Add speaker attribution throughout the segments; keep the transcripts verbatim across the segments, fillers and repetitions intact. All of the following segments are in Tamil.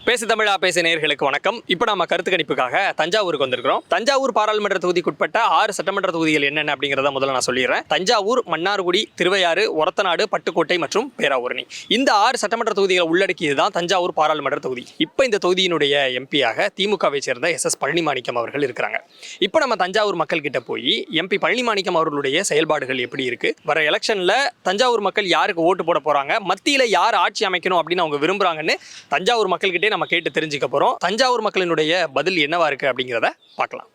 Speaker 1: பேசு தமிழா பேசு நேயர்களுக்கு வணக்கம். இப்போ நம்ம கருத்து கணிப்புக்காக தஞ்சாவூருக்கு வந்திருக்கிறோம். தஞ்சாவூர் பாராளுமன்ற தொகுதிக்குட்பட்ட ஆறு சட்டமன்ற தொகுதிகள் என்னென்ன அப்படிங்கிறத முதல்ல நான் சொல்லிடுறேன். தஞ்சாவூர், மன்னார்குடி, திருவையாறு, ஒரத்தநாடு, பட்டுக்கோட்டை மற்றும் பேராவூரணி. இந்த ஆறு சட்டமன்ற தொகுதிகளை உள்ளடக்கியது தான் தஞ்சாவூர் பாராளுமன்ற தொகுதி. இப்போ இந்த தொகுதியினுடைய எம்பியாக திமுகவை சேர்ந்த எஸ் எஸ் பழனிமாணிக்கம் அவர்கள் இருக்கிறாங்க. இப்போ நம்ம தஞ்சாவூர் மக்கள் கிட்ட போய் எம்பி பழனிமாணிக்கம் அவர்களுடைய செயல்பாடுகள் எப்படி இருக்கு, வர எலெக்ஷன்ல தஞ்சாவூர் மக்கள் யாருக்கு ஓட்டு போட போறாங்க, மத்தியில யார் ஆட்சி அமைக்கணும் அப்படின்னு அவங்க விரும்புறாங்கன்னு தஞ்சாவூர் மக்கள்கிட்டே நம்ம கேட்டு தெரிஞ்சுக்க போறோம். தஞ்சாவூர் மக்களினுடைய பதில் என்னவா இருக்கு அப்படிங்கிறத பார்க்கலாம்.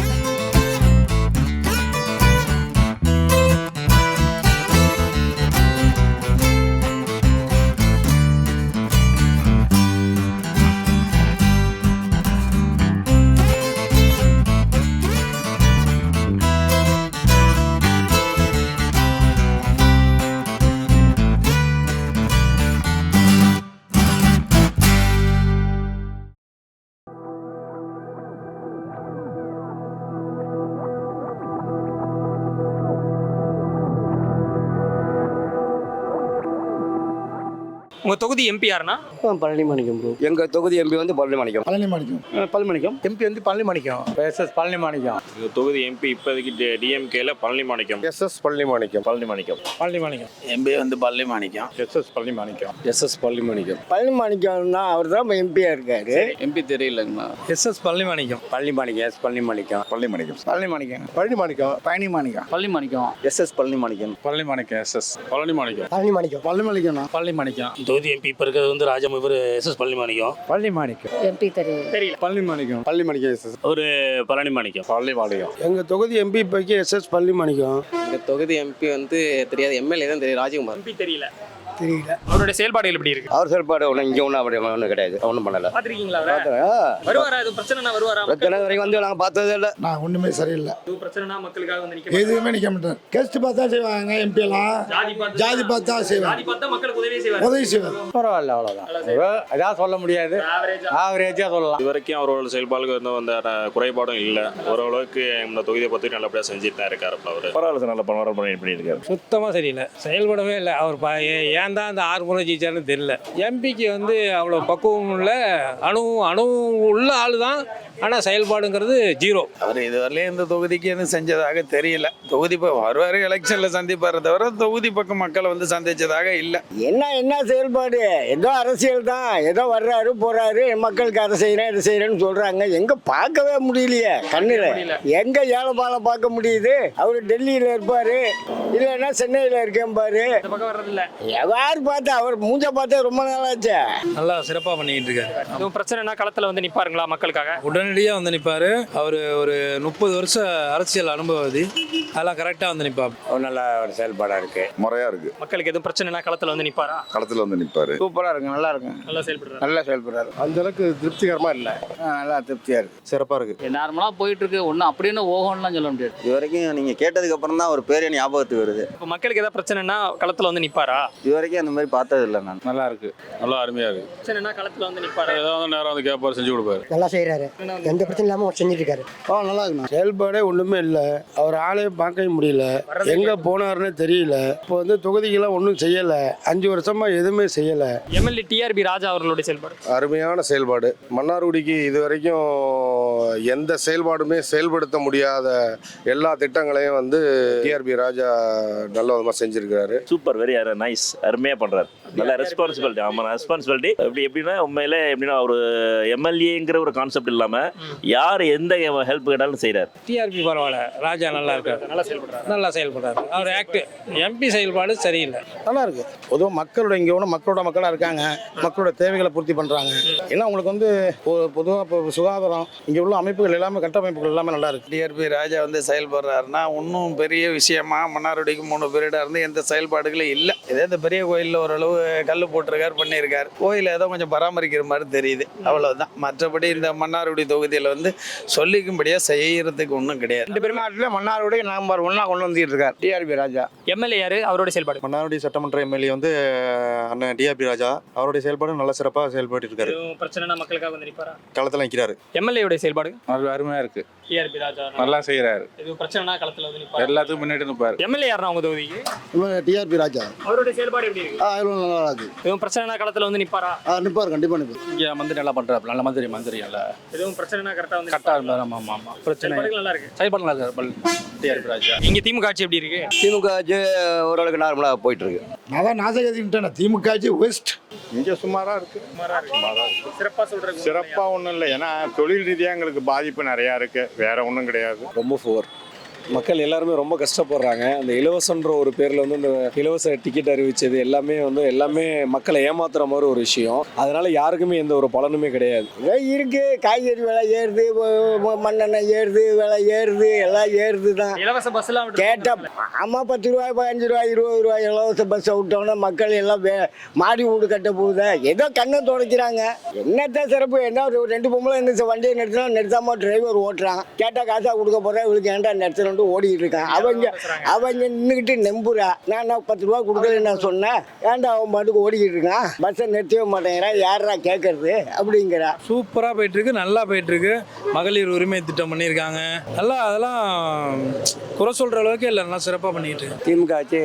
Speaker 1: உங்க தொகுதி எம்பி யாருன்னா?
Speaker 2: பழனிமாணிக்கம் ப்ரோ.
Speaker 3: எங்க தொகுதி எம்பி வந்து பழனிமாணிக்கம்.
Speaker 2: பழனிமாணிக்கம் பழனிமாணிக்கம் எம்பி வந்து பழனிமாணிக்கம். S S Palanimanickam.
Speaker 4: எங்க தொகுதி எம்பி இப்போதைக்கு டிஎம்கேல Palanimanickam.
Speaker 3: S S Palanimanickam.
Speaker 4: Palanimanickam.
Speaker 2: Palanimanickam
Speaker 5: MP வந்து Palanimanickam.
Speaker 4: S S Palanimanickam.
Speaker 3: S S Palanimanickam.
Speaker 2: பழனிமாணிக்கம்னா அவர் தான் எம்பியா இருக்காரு.
Speaker 5: எம்பி தெரியலங்கண்ணா.
Speaker 2: S S Palanimanickam.
Speaker 3: Palanimanickam. S Palanimanickam.
Speaker 4: Palanimanickam.
Speaker 2: Palanimanickam. Palanimanickam. Palanimanickam.
Speaker 5: Palanimanickam.
Speaker 3: S S Palanimanickam.
Speaker 4: Palanimanickam. S S Palanimanickam.
Speaker 2: Palanimanickam. Palanimanickam. Palanimanickam.
Speaker 6: தொகுதி எம்பி இப்போ இருக்கிறது வந்து ராஜம், இவர் S S Palanimanickam.
Speaker 2: Palanimanickam.
Speaker 7: MP தெரியல.
Speaker 1: தெரியல.
Speaker 2: பழனிமாணிக்கம்.
Speaker 3: பழனிமாணிக்கம். S S.
Speaker 6: ஒரு பழனிமாணிக்கம்.
Speaker 4: பழனிமாணிக்கம்.
Speaker 3: எங்க தொகுதி எம்பி இப்போதைக்கு எஸ் எஸ் பழனிமாணிக்கம்.
Speaker 8: எங்கள் தொகுதி எம்பி வந்து தெரியாது, எம்எல்ஏ தான் தெரியும், ராஜகுமார்.
Speaker 1: எம்பி தெரியல.
Speaker 2: தெரியல.
Speaker 1: அவருடைய செயல்பாடுகள் எப்படி இருக்கு?
Speaker 3: அவர் செயல்பாடு ஒன்றும் இங்கே ஒன்றும் அப்படி ஒன்றும் கிடையாது, ஒன்றும் பண்ணல.
Speaker 1: பாத்திருக்கீங்களா அவரை? வருவாரா? இது பிரச்சனைனா வருவாரா?
Speaker 3: பிரச்சனை வரைக்கும் வந்து நாங்கள் பார்த்ததே இல்லை.
Speaker 2: நான் ஒண்ணுமே சரியில்லை.
Speaker 1: இது பிரச்சனைனா மக்களுக்காக வந்து நிக்க
Speaker 2: எதுவுமே நிக்க மாட்டேன். கேஸ்ட் பார்த்தா செய்வாங்க எம்பி எல்லாம்.
Speaker 1: ஜாதி பார்த்து
Speaker 2: ஜாதி பார்த்தா செய்வாங்க.
Speaker 1: ஜாதி பார்த்தா மக்களுக்கு உதவி செய்வாங்க.
Speaker 2: உதவி செய்வாங்க. பரவாயில்ல, அவ்வளவுதான். அதான் சொல்ல முடியாது. ஆவரேஜா சொல்லலாம்.
Speaker 4: இது வரைக்கும் அவரோட செயல்பாடுகள் இருந்த அந்த குறைபாடும் இல்லை. ஓரளவுக்கு இந்த தொகுதியை பற்றி நல்லபடியாக செஞ்சுட்டு தான் இருக்காரு. அவர் பரவாயில்ல சார், நல்ல பரவாயில்ல பண்ணியிருக்காரு.
Speaker 9: சுத்தமாக சரியில்லை, செயல்படவே இல்லை. அவர் ப ஏன் தான் அந்த ஆறு முறை ஜெயிச்சாருன்னு தெரியல. எம்பிக்கு வந்து அவ்வளோ பக்குவம் உள்ள அணு அணு உள்ள ஆள் தான், ஆனால் செயல்பாடுங்கிறது ஜீரோ.
Speaker 5: அவர் இதுவரையிலும் இந்த தொகுதிக்கு எதுவும் செஞ்சதாக தெரியல. தொகுதி இப்போ வருவார், எலெக்ஷனில் சந்திப்பார் தவிர தொகுதி பக்கம் மக்களை வந்து சந்திச்சதாக இல்லை.
Speaker 2: என்ன என்ன செயல்பாடு? ஏதோ அரசியல் தான், ஏதோ வர்றாரு போறாரு, மக்களுக்கு அதை செய்யறேன் இதை செய்யறேன்னு சொல்றாங்க. எங்க பார்க்கவே முடியலையே கண்ணுல. எங்க ஏழை பாலை பார்க்க முடியுது? அவரு டெல்லியில இருப்பாரு, இல்லைன்னா சென்னையில இருக்கேன் பாரு.
Speaker 1: இந்த பக்கம் வர்றது இல்ல.
Speaker 2: யாரு பார்த்தா அவர் மூஞ்ச பார்த்தா ரொம்ப நாளாச்சு.
Speaker 9: நல்லா சிறப்பாக பண்ணிக்கிட்டு இருக்காரு.
Speaker 1: இது பிரச்சனைனா களத்துல வந்து நிப்பாருங்களா மக்களுக்காக?
Speaker 9: உடனடியாக வந்து நிற்பார். அவர் ஒரு முப்பது வருஷம் அரசியல் அனுபவதி, அதெல்லாம் கரெக்டாக வந்து நிற்பார்.
Speaker 3: ஒரு நல்ல ஒரு செயல்பாடாக இருக்கு,
Speaker 4: முறையாக இருக்கு.
Speaker 1: மக்களுக்கு எதுவும் பிரச்சனைனா களத்துல வந்து நிப்பாரா?
Speaker 4: களத்தில் வந்து நிற்பாரு.
Speaker 5: சூப்பராக இருக்கு, நல்லா இருக்கு,
Speaker 1: நல்லா செயல்படுறாரு.
Speaker 5: நல்லா செயல்படுறாரு.
Speaker 3: அந்த அளவுக்கு திருப்திகரமா இல்லை,
Speaker 5: நல்லா திருப்தியாக இருக்கு,
Speaker 3: சிறப்பாக இருக்கு.
Speaker 7: நார்மலா போயிட்டு இருக்கு. ஒன்னும் அப்படின்னு ஓகோன்னுலாம் சொல்ல முடியாது.
Speaker 3: இது வரைக்கும் நீங்க கேட்டதுக்கு அப்புறம் தான் ஒரு பேர் ஞாபகத்துக்கு வருது.
Speaker 1: இப்போ மக்களுக்கு ஏதாவது பிரச்சனைனா களத்துல வந்து நிப்பாரா?
Speaker 3: இது வரைக்கும் அந்த மாதிரி பார்த்தது இல்லை நான்.
Speaker 4: நல்லா இருக்கு, நல்லா அருமையாக இருக்கு.
Speaker 1: பிரச்சனைனா களத்துல வந்து நிப்பாரா?
Speaker 4: ஏதாவது நேரம் வந்து கேட்பாரு, செஞ்சு கொடுப்பாரு.
Speaker 2: நல்லா செய்யறாரு, எந்த பிரச்சனை இல்லாம செஞ்சுட்டு இருக்காரு. ஆ நல்லா இருக்கு. செயல்பாடே ஒண்ணுமே இல்லை, அவர் ஆளே பார்க்க முடியல, எங்க போனாருன்னு தெரியல. இப்போ வந்து தொகுதிக்கெல்லாம் ஒன்றும் செய்யல, அஞ்சு வருஷமா எதுவுமே செய்யல.
Speaker 1: எம்எல்ஏ டிஆர்பி ராஜா அவர்களுடைய செயல்பாடு
Speaker 10: அருமையான செயல்பாடு. மன்னார்குடிக்கு இது வரைக்கும் எந்த செயல்பாடுமே செயல்படுத்த முடியாத எல்லா திட்டங்களையும் வந்து டிஆர்பி ராஜா நல்ல விதமாக செஞ்சிருக்காரு.
Speaker 6: சூப்பர், வெரி நைஸ், அருமையாக பண்ணுறாரு. நல்ல ரெஸ்பான்சிபிலிட்டி. ஆமாம், ரெஸ்பான்சிபிலிட்டி எப்படி எப்படின்னா உண்மையிலே எப்படின்னா ஒரு எம்எல்ஏங்கிற ஒரு கான்செப்ட் இல்லாமல் யார் எந்த ஹெல்ப் கேட்டாலும் செய்கிறார்.
Speaker 9: டிஆர்பி பரவாயில்ல, ராஜா நல்லா இருக்காரு, நல்லா செயல்படுறாரு, நல்லா செயல்படுறாரு. அவர் ஆக்ட் எம்பி செயல்பாடு சரியில்லை,
Speaker 2: நல்லா இருக்கு. பொதுவாக மக்களோட இங்கே ஒன்று மக்களோட மக்களாக இருக்காங்க, மக்களோட தேவைகளை பூர்த்தி பண்ணுறாங்க. ஏன்னா உங்களுக்கு வந்து பொதுவாக இப்போ சுகாதாரம் இங்கே உள்ள அமைப்புகள் எல்லாமே கட்டமைப்புகள் எல்லாமே நல்லா இருக்கு.
Speaker 5: டிஆர்பி ராஜா வந்து செயல்படுறாருன்னா ஒன்றும் பெரிய விஷயமா மன்னார்குடிக்கு மூணு பீரியடாக இருந்து எந்த செயல்பாடுகளும் இல்லை. இதே இந்த பெரிய கோயிலில் ஓரளவு கல் போட்டிருக்காரு, பண்ணியிருக்காரு. கோயிலை ஏதோ கொஞ்சம் பராமரிக்கிற மாதிரி தெரியுது, அவ்வளவுதான். மற்றபடி இந்த மன்னார்குடி தொகுதியில் வந்து சொல்லிக்கும்படியாக செய்யறதுக்கு ஒன்றும் கிடையாது.
Speaker 2: ரெண்டு பேரும் நாட்டில் மன்னார்குடி நம்பர் ஒன்னா கொண்டு வந்துட்டு இருக்காரு டிஆர்பி ராஜா.
Speaker 1: எம்எல்ஏ யாரு? அவருடைய செயல்பாடு?
Speaker 10: மன்னார்குடி சட்டமன்ற எம்எல்ஏ வந்து அண்ணன் டிஆர்பி ராஜா. அவருடைய செயல்பாடு நல்ல சிறப்பாக செயல்பட்டு இருக்காரு.
Speaker 1: பிரச்சனைனா மக்களுக்காக வந்து நிப்பாரா?
Speaker 10: களத்தில் நிற்கிறாரு.
Speaker 1: எம்எல்ஏ உடைய செயல்பாடு
Speaker 5: அது அருமையாக இருக்குது.
Speaker 1: டிஆர்பி ராஜா
Speaker 10: நல்லா செய்கிறாரு.
Speaker 1: எதுவும் பிரச்சனைனா களத்துல வந்து நிப்பாரு.
Speaker 10: எல்லாத்துக்கும் முன்னாடி நிற்பார்.
Speaker 1: எம்எல்ஏ யாருன்னா உங்க தொகுதிக்கு?
Speaker 2: டிஆர்பி ராஜா
Speaker 1: அவருடைய செயல்பாடு எப்படி இருக்கு?
Speaker 2: நல்லா இருக்கு.
Speaker 1: எதுவும் பிரச்சனைனா களத்துல வந்து நிப்பாரா?
Speaker 2: நிற்பார், கண்டிப்பாக நிற்பார்.
Speaker 5: இங்கே வந்து நல்லா பண்ணுறாரு, நல்ல மந்திரி மந்திரி இல்லை
Speaker 1: எதுவும் பிரச்சனைனா கரெக்டா வந்து
Speaker 5: கரெக்டாக இருந்தார். ஆமாம் ஆமாம் ஆமாம் பிரச்சனை
Speaker 1: செயல்பாடுகள் நல்லா இருக்கு.
Speaker 5: செயல்பாடு நல்லா இருக்கார் டிஆர்பி ராஜா.
Speaker 1: இங்க திமுக ஆட்சி எப்படி இருக்கு?
Speaker 3: திமுக ஆட்சி ஓரளவுக்கு நார்மலாக போயிட்டு இருக்கு.
Speaker 2: நான் தான் நாசகத்தின்ட்டேன். திமுக ஆட்சி வெஸ்ட்.
Speaker 10: இங்கே சுமாராக இருக்கு.
Speaker 1: சுமாரா இருக்கு. சிறப்பா சொல்றேன்.
Speaker 10: சிறப்பாக ஒன்றும் இல்லை, ஏன்னா தொழில் ரீதியாக எங்களுக்கு பாதிப்பு நிறையா இருக்கு, வேற ஒன்றும் கிடையாது.
Speaker 11: ரொம்ப ஃபோர் மக்கள் எல்லாருமே ரொம்ப கஷ்டப்படுறாங்க. அந்த இலவசன்ற ஒரு பேரில் வந்து இந்த இலவச டிக்கெட் அறிவிச்சது எல்லாமே வந்து எல்லாமே மக்களை ஏமாத்துற மாதிரி ஒரு விஷயம். அதனால யாருக்குமே எந்த ஒரு பலனுமே கிடையாது.
Speaker 2: இருக்கு, காய்கறி விலை ஏறுது, மண்ணெண்ணெய் ஏறுது, விலை ஏறுது, எல்லாம் ஏறுது தான்.
Speaker 1: இலவச பஸ் எல்லாம்
Speaker 2: கேட்டா ஆமா, பத்து ரூபாய் பதினஞ்சு ரூபாய் இருபது ரூபாய் இலவச பஸ்ஸை விட்டோம்னா மக்கள் எல்லாம் வே மாடி வீடு கட்ட போகுது. ஏதோ கண்ணை துடைக்கிறாங்க. என்னத்தான் சிறப்பு? என்ன ஒரு ரெண்டு பொம்பளை இந்த வண்டியை நிறுத்தினா நிறுத்தாம டிரைவர் ஓட்டுறான். கேட்டா காசா கொடுக்க போறேன், இவளுக்கு ஏன்டா நிறுத்தணும் ஓடிட்டு இருக்கான். அவங்க அவங்க நின்றுக்கிட்டு நம்புறா. நான் பத்து ரூபா கொடுக்கல நான் சொன்னேன், ஏன்டா அவன் பாட்டுக்கு ஓடிக்கிட்டு இருக்கான், பஸ்ஸை நிறுத்தவே மாட்டேங்கிறான், யாரா கேட்கறது அப்படிங்கிறா.
Speaker 9: சூப்பராக போயிட்டுருக்கு, நல்லா போயிட்டுருக்கு. மகளிர் உரிமை திட்டம் பண்ணியிருக்காங்க. நல்லா அதெல்லாம் குறை சொல்கிற அளவுக்கு இல்லை, நல்லா சிறப்பாக பண்ணிக்கிட்டு இருக்கு.
Speaker 3: திமுக ஆட்சி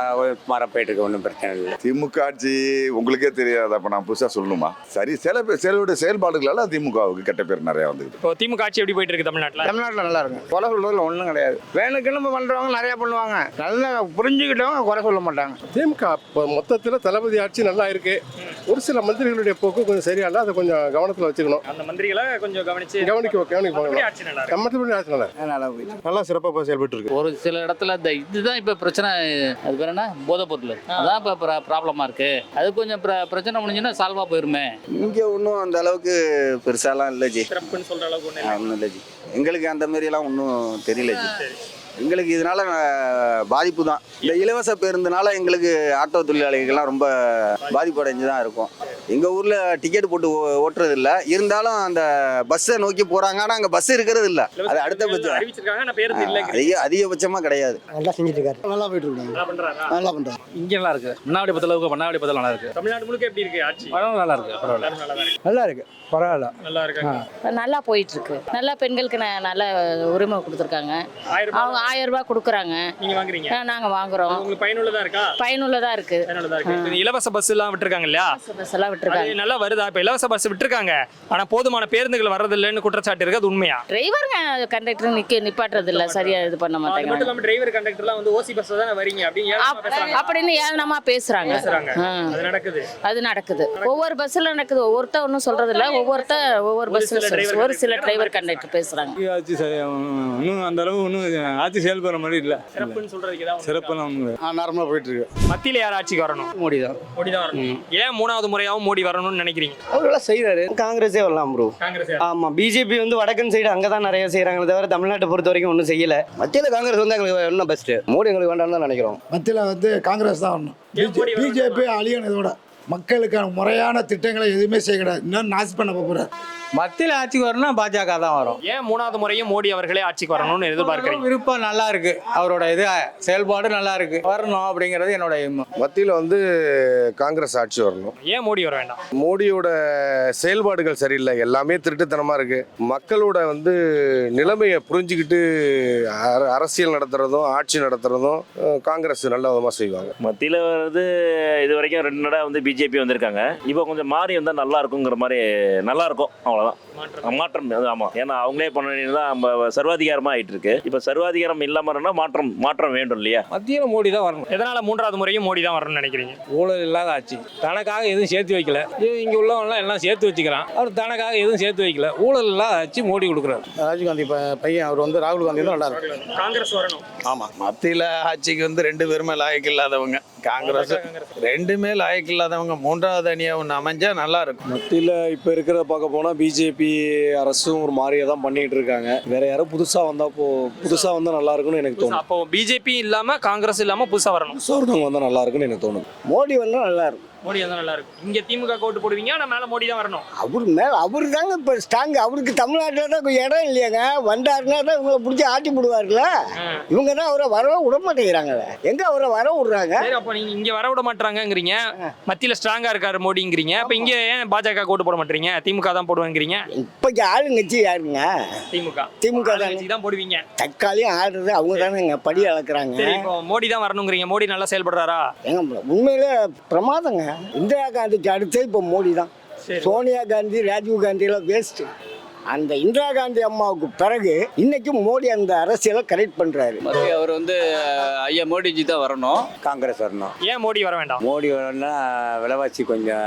Speaker 3: மர போயிட்டு இருக்கு, ஒன்றும் பிரச்சனை இல்லை.
Speaker 10: திமுக ஆட்சி உங்களுக்கே தெரியாது, அப்போ நான் புதுசாக சொல்லணுமா? சரி, சில செயலுடைய செயல்பாடுகளால திமுகவுக்கு கெட்ட பேர் நிறையா வந்துருக்கு.
Speaker 1: இப்போ திமுக ஆட்சி எப்படி போயிட்டு இருக்கு தமிழ்நாட்டில்?
Speaker 2: தமிழ்நாட்டில் நல்லா இருக்கும். குறை சொல்றதுல ஒன்றும் கிடையாது. வேணுக்குன்னு பண்றவங்க நிறைய பண்ணுவாங்க, நல்லா புரிஞ்சுக்கிட்டவங்க குறை சொல்ல மாட்டாங்க.
Speaker 10: திமுக இப்போ மொத்தத்தில் தளபதி ஆட்சி நல்லா இருக்கு. ஒரு சில மந்திரிகளுடைய போக்கு கொஞ்சம் சரியா இல்லை, அதை கொஞ்சம் கவனத்தில் வச்சுக்கணும்.
Speaker 1: அந்த மந்திரிகளை கொஞ்சம் கவனிச்சு
Speaker 10: கவனிக்க கவனிப்பாங்க.
Speaker 1: ஆட்சி நல்லா இருக்கு.
Speaker 10: மற்றபடி ஆட்சி நல்லா
Speaker 2: நல்லா போயிடுச்சு.
Speaker 10: நல்லா சிறப்பாக செயல்பட்டு இருக்கு.
Speaker 7: ஒரு சில இடத்துல இந்த இதுதான் இப்போ பிரச்சனை. அது பேர் என்ன, போதைப் பொருள். அதான் இப்போ ப்ராப்ளமாக இருக்கு. அது கொஞ்சம் பிர- பிரச்சனை முடிஞ்சுன்னா சால்வாக போயிருமே.
Speaker 3: இங்கே ஒன்றும் அந்த அளவுக்கு பெருசாலாம் இல்லை ஜி.
Speaker 1: சிறப்புன்னு சொல்ற அளவுக்கு ஒண்ணு
Speaker 3: ஒன்றும் இல்லை ஜி. எங்களுக்கு அந்த மாதிரிலாம் ஒன்றும் தெரியல ஜி. எங்களுக்கு இதனால அஹ், பாதிப்பு தான். இந்த இலவச பேருந்துனால எங்களுக்கு ஆட்டோ தொழிலாளிகள்லாம் ரொம்ப பாதிப்பு அடைஞ்சு தான் இருக்கும். எங்கள் ஊரில் டிக்கெட் போட்டு ஓ- ஓட்டுறது இல்லை, இருந்தாலும் அந்த பஸ்ஸை நோக்கி போகிறாங்க. ஆனால் அங்கே பஸ் இருக்கிறது இல்லை. அது அடுத்தபட்சம்
Speaker 1: அறிவிச்சிருக்காங்க, நான் பேருந்து இல்லை.
Speaker 3: அதிக அதிகபட்சமாக கிடையாது.
Speaker 2: நல்லா செஞ்சுட்டு இருக்காரு. நல்லா போயிட்டு இருக்காங்க.
Speaker 1: நல்லா பண்றாரா?
Speaker 2: நல்லா பண்றாங்க.
Speaker 5: இங்கே நல்லா இருக்கு. மன்னாடி பத்தளவுக்கு மன்னாடி பத்தல நல்லா இருக்கு.
Speaker 1: தமிழ்நாடு முழுக்க எப்படி இருக்கு ஆட்சி?
Speaker 5: நல்லா இருக்கு, பரவாயில்ல.
Speaker 1: எல்லாரும் நல்லா தான் இருக்கு.
Speaker 2: நல்லா இருக்கு, பரவாயில்ல.
Speaker 1: நல்லா இருக்காங்க.
Speaker 12: நல்லா போயிட்டு இருக்கு. நல்லா பெண்களுக்கு ந- நல்ல உரிமை கொடுத்துருக்காங்க.
Speaker 1: ஆயிரம் ரூபாய்
Speaker 12: அவங்க ஆயிரம் ரூபாய் கொடுக்குறாங்க.
Speaker 1: நீங்க வாங்குறீங்க?
Speaker 12: நாங்க வாங்குறோம்.
Speaker 1: உங்களுக்கு பயனுள்ளதா இருக்கா?
Speaker 12: பயனுள்ளதா இருக்கு.
Speaker 1: பயனுள்ளதா இருக்கு. இந்த இலவச பஸ் எல்லாம் விட்டுருக்காங்க இல்லையா?
Speaker 12: பஸ் எல்லாம் விட்டுருக்காங்க.
Speaker 1: அது நல்லா வருதா? இப்ப இலவச பஸ் விட்டுருக்காங்க, ஆனா போதுமான பேருந்துகள் வர்றது இல்லைன்னு குற்றச்சாட்டு இருக்கு. அது உண்மையா?
Speaker 12: டிரைவருங்க கண்டக்டர் நிக்க நிப்பாட்டுறது இல்ல, சரியா இது பண்ண
Speaker 1: அது மட்டும்
Speaker 12: மாட்டாங்க.
Speaker 1: இல்லாம டிரைவர் கண்டக்டர்லாம் வந்து ஓசி பஸ்ல தானே வரீங்க அப்படின்னு ஏளனமா பேசுறாங்க.
Speaker 12: அப்படின்னு ஏளனமா பேசுறாங்க.
Speaker 1: பேசுறாங்க.
Speaker 12: ஆ.
Speaker 1: அது நடக்குது.
Speaker 12: அது நடக்குது. ஒவ்வொரு பஸ்ல நடக்குது. ஒவ்வொருத்த ஒன்றும் சொல்றது இல்ல, ஒவ்வொருத்த ஒவ்வொரு பஸ்ல ஒரு சில டிரைவர் கண்டக்டர் பேசுறாங்க.
Speaker 9: ஆட்சி இன்னும் அந்த அளவு ஒன்றும் ஆட்சி செயல்படுற மாதிரி இல்லை.
Speaker 1: சிறப்புன்னு சொல்றதுக்கு ஏதாவது
Speaker 9: சிறப்பெல்லாம்
Speaker 10: நார்மலாக போயிட்டு இருக்கு.
Speaker 1: மத்தியில யார் ஆட்சிக்கு வரணும்?
Speaker 5: மோடி தான்.
Speaker 1: மோடி தான் வரணும். ஏன் மூணாவது முறையாவும் மோடி வரணும்னு நினைக்கிறீங்க?
Speaker 11: அவரெல்லாம் செய்கிறாரு. காங்கிரஸே வரலாம் ப்ரோ.
Speaker 1: காங்கிரஸ்
Speaker 11: ஆமாம், பிஜேபி வந்து வடக்கன் சைடு அங்கே தான் நிறைய செய்கிறாங்களே தவிர தமிழ்நாட்டை பொறுத்த வரைக்கும் ஒன்றும் செய்யலை. மத்தியில் காங்கிரஸ் வந்து எங்களுக்கு இன்னும் பெஸ்ட்டு. மோடி எங்களுக்கு வேண்டாம்னு தான் நினைக்கிறோம்.
Speaker 2: மத்தியில் வந்து காங்கிரஸ் தான் வரணும். பிஜேபி அழியணும். இதோட மக்களுக்கான முறையான திட்டங்களை எதுவுமே செய்ய கிடையாது. இன்னும் நாசி பண்ண போகிறார்.
Speaker 9: மத்தியில் ஆட்சிக்கு வரணும்னா பாஜக தான் வரும்.
Speaker 1: ஏன் மூணாவது முறையும் மோடி அவர்களே ஆட்சிக்கு வரணும்னு எதிர்பார்க்கிறீங்க?
Speaker 9: விருப்பம் நல்லா இருக்கு, அவரோட இது செயல்பாடு நல்லா இருக்கு, வரணும் அப்படிங்கிறது என்னோட எண்ணம்.
Speaker 10: மத்தியில் வந்து காங்கிரஸ் ஆட்சி வரணும்.
Speaker 1: ஏன் மோடி வர வேண்டாம்?
Speaker 10: மோடியோட செயல்பாடுகள் சரியில்லை, எல்லாமே திருட்டுத்தனமாக இருக்கு. மக்களோட வந்து நிலைமையை புரிஞ்சுக்கிட்டு அர- அரசியல் நடத்துறதும் ஆட்சி நடத்துறதும் அஹ், காங்கிரஸ் நல்ல விதமாக செய்வாங்க.
Speaker 6: மத்தியில் வந்து இது வரைக்கும் ரெண்டு நட வந்து பிஜேபி வந்திருக்காங்க. இப்போ கொஞ்சம் மாறி வந்தால் நல்லா இருக்குங்கிற மாதிரி நல்லா இருக்கும். அவ்வளோதான் மாற்றம். அது ஆமாம், ஏன்னா அவங்களே பண்ண தான் நம்ம சர்வாதிகாரமாக ஆயிட்டு இருக்கு. இப்போ சர்வாதிகாரம் இல்லாமல் இருந்தால் மாற்றம் மாற்றம் வேண்டும் இல்லையா?
Speaker 9: மத்தியில் மோடி தான் வரணும்.
Speaker 1: எதனால மூன்றாவது முறையும் மோடி தான் வரணும்னு நினைக்கிறீங்க?
Speaker 9: ஊழல் இல்லாத ஆட்சி. தனக்காக எதுவும் சேர்த்து வைக்கல. இங்கே உள்ளவங்களாம் எல்லாம் சேர்த்து வச்சுக்கிறான். அவர் தனக்காக எதுவும் சேர்த்து வைக்கல. ஊழல் இல்லாத ஆட்சி மோடி கொடுக்குறாரு.
Speaker 5: ராஜீவ்காந்தி பையன் அவர் வந்து ராகுல் காந்தி தான் நல்லா இருக்கு.
Speaker 1: காங்கிரஸ் வரணும்.
Speaker 5: ஆமாம், மத்தியில் ஆட்சிக்கு வந்து ரெண்டு பேருமே லாயக்கு இல்லாதவங்க. காங்கிரஸ் ரெண்டுமே லாயக்கு இல்லாதவங்க. மூன்றாவது அணியா ஒன்று அமைஞ்சா நல்லா இருக்கும்.
Speaker 11: மத்தியில் இப்போ இருக்கிறத பார்க்க போனால் பிஜேபி அரசும் ஒரு மாதிரியே தான் பண்ணிட்டு இருக்காங்க. வேற யாரும் புதுசாக வந்தால் போ புதுசாக வந்தால் நல்லா இருக்குன்னு எனக்கு தோணும்.
Speaker 1: அப்போ பிஜேபி இல்லாம காங்கிரஸ் இல்லாம புதுசா வரணும்.
Speaker 11: புதுசாக ஒருத்தவங்க வந்தால் நல்லா இருக்குன்னு எனக்கு தோணும்.
Speaker 2: மோடி வந்தால் நல்லா இருக்கும்.
Speaker 1: மோடி தான் நல்லா இருக்கும். இங்க திமுக ஓட்டு போடுவீங்க, ஆனா மேல மோடி தான் வரணும்.
Speaker 2: அவர் மேல அவரு தாங்க இப்போ ஸ்ட்ராங். அவருக்கு தமிழ்நாட்டில் தான் கொஞ்சம் இடம் இல்லையாங்க. வந்தாருன்னா தான் இவங்களை பிடிச்சி ஆட்டி விடுவார்ல. இவங்க தான் அவரை வரவே விட மாட்டேங்கிறாங்களே. எங்க அவரை வர விடுறாங்க?
Speaker 1: சரி, அப்ப நீங்க இங்க வர விட மாட்டாங்கங்கிறீங்க, மத்தியில ஸ்ட்ராங்கா இருக்காரு மோடிங்கிறீங்க. அப்ப இங்க ஏன் பாஜக ஓட்டு போட மாட்டீங்க, திமுக தான் போடுவேங்கிறீங்க?
Speaker 2: இப்போக்கு ஆளுங்கட்சி யாருங்க?
Speaker 1: திமுக.
Speaker 2: திமுக
Speaker 1: தான் தான் போடுவீங்க.
Speaker 2: தக்காளியும் ஆடுறது அவங்க தானேங்க, படி அளக்குறாங்க.
Speaker 1: சரி, இப்போ மோடி தான் வரணுங்கிறீங்க. மோடி நல்லா செயல்படுறாரா?
Speaker 2: எங்க உண்மையிலே பிரமாதங்க. இந்திரா காந்திக்கு அடுத்து இப்போ மோடி தான். சோனியா காந்தி, ராஜீவ் காந்தி எல்லாம் வேஸ்ட். அந்த இந்திரா காந்தி அம்மாவுக்கு பிறகு இன்னைக்கு மோடி அந்த அரசியலை கரெக்ட் பண்றாரு.
Speaker 8: மத்திய அவர் வந்து ஐயா மோடிஜி தான் வரணும்.
Speaker 3: காங்கிரஸ் வரணும்.
Speaker 1: ஏன் மோடி வர வேண்டாம்?
Speaker 3: மோடி வரணும்னா விலைவாசி கொஞ்சம்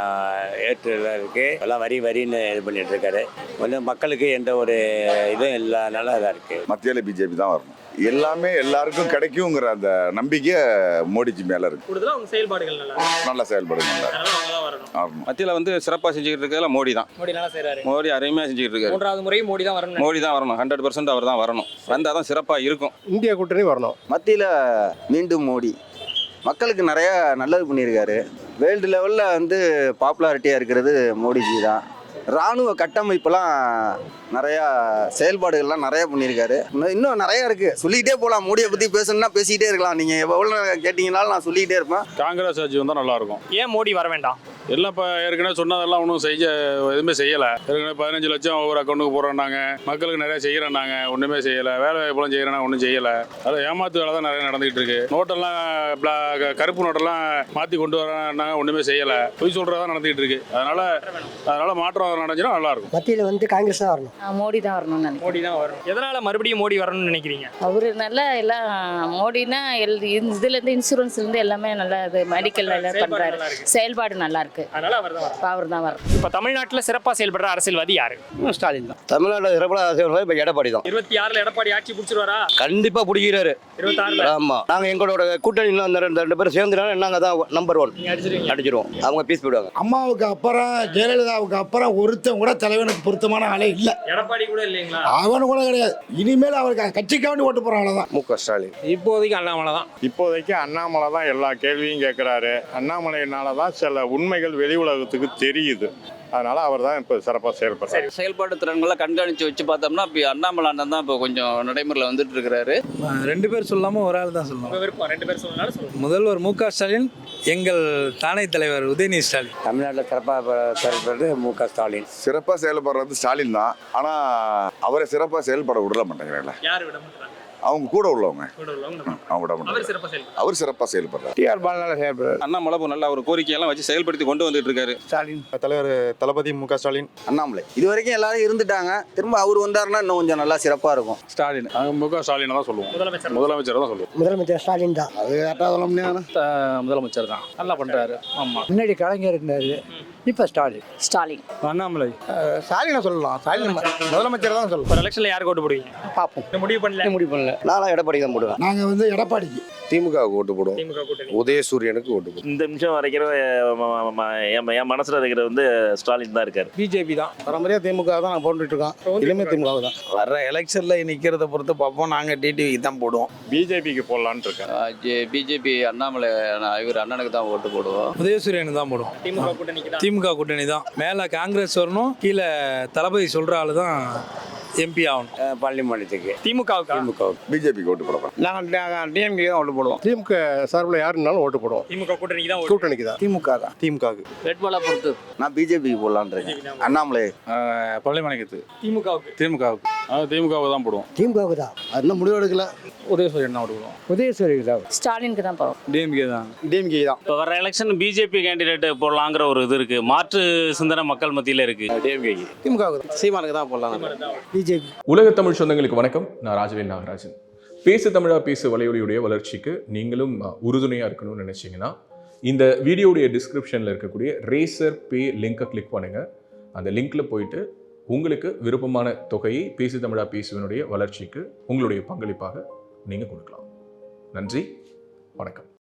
Speaker 3: ஏற்றுலாம் இருக்கு. எல்லாம் வரி வரின்னு இது பண்ணிட்டு இருக்காரு. வந்து மக்களுக்கு எந்த ஒரு இதுவும் இல்லாதனால இதாக இருக்கு.
Speaker 13: மத்தியில் பிஜேபி தான் வரணும். எல்லாமே எல்லாருக்கும் கிடைக்குங்கிற அந்த நம்பிக்கை மோடிஜி மேல இருக்கு.
Speaker 1: கூடுதலா அவங்க செயல்பாடுகள் நல்லா
Speaker 13: நல்லா செயல்படுங்க.
Speaker 1: வரணும்.
Speaker 4: மத்தியில் வந்து சிறப்பாக செஞ்சுக்கிட்டு இருக்கிறதுல மோடி தான்.
Speaker 1: மோடி நல்லா செய்றாரு.
Speaker 4: மோடி அருமையாக செஞ்சுக்கிட்டு இருக்காரு.
Speaker 1: மூன்றாவது முறை மோடி தான் வரணும்.
Speaker 4: மோடி தான் வரணும். ஹண்ட்ரட் பர்சன்ட் அவர் தான் வரணும். வந்தால் தான் சிறப்பாக இருக்கும்.
Speaker 10: இந்தியா கூட்டணி வரணும்.
Speaker 3: மத்தியில் மீண்டும் மோடி மக்களுக்கு நிறையா நல்லது பண்ணியிருக்காரு. வேர்ல்டு லெவலில் வந்து பாப்புலாரிட்டியாக இருக்கிறது மோடிஜி தான். இராணுவ கட்டமைப்பெல்லாம் நிறையா செயல்பாடுகள்லாம் நிறையா பண்ணியிருக்காரு. இன்னும் இன்னும் நிறையா இருக்குது, சொல்லிக்கிட்டே போகலாம். மோடியை பற்றி பேசணும்னா பேசிக்கிட்டே இருக்கலாம். நீங்கள் எவ்வளோ கேட்டிங்கனாலும் நான் சொல்லிக்கிட்டே இருப்பேன்.
Speaker 4: காங்கிரஸ் ஆட்சி வந்தால் நல்லாயிருக்கும்.
Speaker 1: ஏன் மோடி வர வேண்டாம்?
Speaker 4: எல்லாம் இப்போ ஏற்கனவே சொன்னதெல்லாம் ஒன்றும் செய்ய எதுவுமே செய்யலை. ஏற்கனவே பதினஞ்சு லட்சம் ஒவ்வொரு அக்கௌண்ட்டுக்கு போடுறாங்க. மக்களுக்கு நிறைய செய்கிறேன்னாங்க, ஒன்றுமே செய்யலை. வேலை வாய்ப்பெல்லாம் செய்கிறேன்னா ஒன்றும் செய்யலை. அதில் ஏமாத்து வேலை தான் நிறைய நடந்துகிட்டு இருக்கு. நோட்டெல்லாம் கருப்பு நோட்டெல்லாம் மாற்றி கொண்டு வராங்க, ஒன்றுமே செய்யலை. பொய் சொல்கிறதா நடந்துகிட்டு இருக்கு. அதனால் அதனால் மாற்றம் நடந்துச்சுன்னா நல்லாயிருக்கும்.
Speaker 2: மத்தியில் வந்து காங்கிரஸ் தான் வரணும்.
Speaker 12: மோடி தான் வரணும்னு நினைக்கிறேன்.
Speaker 1: மோடி தான் வரணும். எதனால மறுபடியும் மோடி வரணும்னு நினைக்கிறீங்க?
Speaker 12: அவரு நல்லா எல்லாம் மோடினா எல் இதுல இருந்து இன்சூரன்ஸ்ல இருந்து எல்லாமே நல்லா இது மெடிக்கல் எல்லாம் பண்றாரு. செயல்பாடு நல்லா இருக்கு.
Speaker 1: அதனால அவர் தான் வரணும்.
Speaker 12: அவர் தான் வரணும்.
Speaker 1: இப்போ தமிழ்நாட்டில் சிறப்பாக செயல்படுற அரசியல்வாதி யாரு?
Speaker 2: ஸ்டாலின் தான். தமிழ்நாட்டில் சிறப்பாக அரசியல் இப்போ எடப்பாடி தான்.
Speaker 1: இருபத்தி ஆறுல எடப்பாடி ஆட்சி பிடிச்சிருவாரா?
Speaker 2: கண்டிப்பாக பிடிக்கிறாரு.
Speaker 1: இருபத்தி ஆறுல
Speaker 2: ஆமாம். நாங்கள் எங்களோட கூட்டணியில் அந்த ரெண்டு ரெண்டு பேரும் சேர்ந்துனாலும் நாங்கள் தான் நம்பர் ஒன் அடிச்சிருவோம். அவங்க பீஸ் போயிடுவாங்க.
Speaker 5: அம்மாவுக்கு அப்புறம் ஜெயலலிதாவுக்கு அப்புறம் ஒருத்தன் கூட தலைவனுக்கு பொருத்தமான ஆளே இல்லை.
Speaker 1: எடப்பாடி கூட இல்லைங்களா?
Speaker 5: அவனு கூட கிடையாது. இனிமேல் அவருக்கு கட்சிக்காண்டி ஓட்டு போற ஆளதான்
Speaker 10: மு க ஸ்டாலின்.
Speaker 9: இப்போதைக்கு அண்ணாமலை தான்.
Speaker 4: இப்போதைக்கு அண்ணாமலை தான் எல்லா கேள்வியும் கேட்குறாரு. அண்ணாமலையினால தான் சில உண்மைகள் வெளி உலகத்துக்கு தெரியுது. அதனால அவர் தான் இப்போ சிறப்பாக செயல்படுறாரு.
Speaker 8: செயல்பாடு திறன்களை கண்காணித்து வச்சு பார்த்தோம்னா இப்போ அண்ணாமலை அண்ணன் தான் இப்போ கொஞ்சம் நடைமுறையில் வந்துட்டு இருக்கிறாரு.
Speaker 5: ரெண்டு பேர் சொல்லாம ஒரு ஆள் தான் சொல்லணும்.
Speaker 1: விருப்பம் ரெண்டு பேர் சொன்னாலும் சொல்லுங்க.
Speaker 5: முதல்வர் மு க ஸ்டாலின், எங்கள் தானை தலைவர் உதயநிதி ஸ்டாலின்.
Speaker 3: தமிழ்நாட்டில் சிறப்பாக செயல்படுறது மு க ஸ்டாலின்.
Speaker 13: சிறப்பாக செயல்படுறது ஸ்டாலின் தான். ஆனால் அவரை சிறப்பாக செயல்பட விட மாட்டேங்கிறாங்களே.
Speaker 1: யார் விட மாட்டாங்க?
Speaker 13: அவங்க கூட உள்ளவங்க.
Speaker 1: கூட உள்ளவங்க
Speaker 13: அவங்க விட
Speaker 1: அவர்
Speaker 13: மாட்டாங்க.
Speaker 1: சிறப்பாக செயல்படுறாரு.
Speaker 13: அவர் சிறப்பாக செயல்படுறாரு.
Speaker 5: டி ஆர் பாலனால செயல்படுறாரு.
Speaker 4: அண்ணாமலை நல்ல ஒரு கோரிக்கையெல்லாம் வச்சு செயல்படுத்தி கொண்டு வந்துட்டு இருக்காரு.
Speaker 5: ஸ்டாலின்
Speaker 10: தலைவர் தளபதி மு க ஸ்டாலின்.
Speaker 3: அண்ணாமலை இது வரைக்கும் எல்லாரும் இருந்துட்டாங்க. திரும்ப அவர் வந்தாருன்னா இன்னும் கொஞ்சம் நல்லா சிறப்பாக இருக்கும்.
Speaker 4: ஸ்டாலின் மு க ஸ்டாலினை தான் சொல்லுவோம்.
Speaker 1: முதலமைச்சர்
Speaker 4: முதலமைச்சர் தான் சொல்லுவோம்.
Speaker 2: முதலமைச்சர் ஸ்டாலின் தான்.
Speaker 5: அது கரெக்டாக சொல்ல முடியாது.
Speaker 7: முதலமைச்சர் தான் நல்லா பண்றாரு. ஆமா,
Speaker 2: முன்னாடி கலைஞர் இருந்தாரு, இப்போ ஸ்டாலின்.
Speaker 12: ஸ்டாலின்.
Speaker 5: அண்ணாமலை ஸ்டாலினை சொல்லலாம். ஸ்டாலின் முதலமைச்சர் தான் சொல்லலாம்.
Speaker 1: ஒரு எலெக்ஷன்ல யாருக்கு ஓட்டு போடுவீங்க?
Speaker 2: பார்ப்போம்.
Speaker 1: முடிவு பண்ணல.
Speaker 2: முடிவு பண்ணல. நானும் எடப்பாடி தான் போடுவேன்.
Speaker 5: நாங்கள் வந்து எடப்பாடிக்கு
Speaker 10: திமுக ஓட்டு போடுவோம்.
Speaker 1: திமுக கூட்டணி.
Speaker 10: உதயசூரியனுக்கு ஓட்டு போடுவோம்.
Speaker 6: இந்த நிமிஷம் வரைக்கிற என் மனசில் இருக்கிறது வந்து ஸ்டாலின் தான் இருக்கார்.
Speaker 5: பிஜேபி தான். பரம்பரையாக திமுக தான் நான் போட்டுட்டு இருக்கோம். இனிமே திமுக தான். வர்ற எலெக்ஷனில் நிற்கிறத பொறுத்து பார்ப்போம். நாங்கள் டிடிவிக்கு தான் போடுவோம்.
Speaker 4: பிஜேபிக்கு போடலான்னு இருக்கேன்.
Speaker 8: பிஜேபி அண்ணாமலை இவர் அண்ணனுக்கு தான் ஓட்டு போடுவோம்.
Speaker 5: உதயசூரியனுக்கு தான் போடுவோம்.
Speaker 1: திமுக கூட்டணிக்கு தான்.
Speaker 5: திமுக கூட்டணி தான். மேலே காங்கிரஸ் வரணும், கீழே தளபதி சொல்கிற ஆள் தான் எம்பி ஆகணும்.
Speaker 3: பள்ளிமன்றத்துக்கு
Speaker 1: திமுகவுக்கு.
Speaker 3: திமுக
Speaker 13: பிஜேபிக்கு ஓட்டு போடுறோம்.
Speaker 5: நாங்கள் டிஎம்கே தான் ஓட்டு போடுவோம்.
Speaker 10: திமுக சார்பில் யாருனாலும் ஓட்டு போடுவோம்.
Speaker 1: திமுக கூட்டணிக்கு தான்.
Speaker 10: கூட்டணிக்கு தான்.
Speaker 5: திமுக தான்.
Speaker 10: திமுகவுக்கு.
Speaker 7: வேட்பாளர் பொறுத்து
Speaker 3: நான் பிஜேபிக்கு போடலான்னு இருக்கேன். அண்ணாமலை
Speaker 4: பள்ளிமனைக்கு
Speaker 1: திமுகவுக்கு.
Speaker 4: திமுகவுக்கு திமுகவுக்கு தான் போடுவோம்.
Speaker 2: திமுகவுக்கு தான். அது முடிவு எடுக்கல.
Speaker 5: உதயசூரியன் தான் ஓட்டு போடுவோம்.
Speaker 2: உதயசூரியன் தான்.
Speaker 12: ஸ்டாலினுக்கு தான் போவோம்.
Speaker 5: டிஎம்கே தான்.
Speaker 10: டிஎம்கே தான்.
Speaker 6: இப்போ வர எலெக்ஷன் பிஜேபி கேண்டிடேட் போடலாங்கிற ஒரு இது இருக்கு. மாற்று சிந்தனை மக்கள் மத்தியில் இருக்கு.
Speaker 10: டிஎம்கே.
Speaker 5: திமுகவுக்கு தான்.
Speaker 8: சீமானுக்கு தான் போடலாம்.
Speaker 2: பிஜேபி.
Speaker 14: உலக தமிழ் சொந்தங்களுக்கு வணக்கம். நான் ராஜவேல் நாகராஜன். பேசு தமிழா பேசு வலையொலியுடைய வளர்ச்சிக்கு நீங்களும் உறுதுணையாக இருக்கணும்னு நினச்சிங்கன்னா இந்த வீடியோடைய டிஸ்கிரிப்ஷனில் இருக்கக்கூடிய ரேசர் பே லிங்கை கிளிக் பண்ணுங்கள். அந்த லிங்க்கில் போயிட்டு உங்களுக்கு விருப்பமான தொகையை பேசு தமிழா பேசுவனுடைய வளர்ச்சிக்கு உங்களுடைய பங்களிப்பாக நீங்கள் கொடுக்கலாம். நன்றி, வணக்கம்.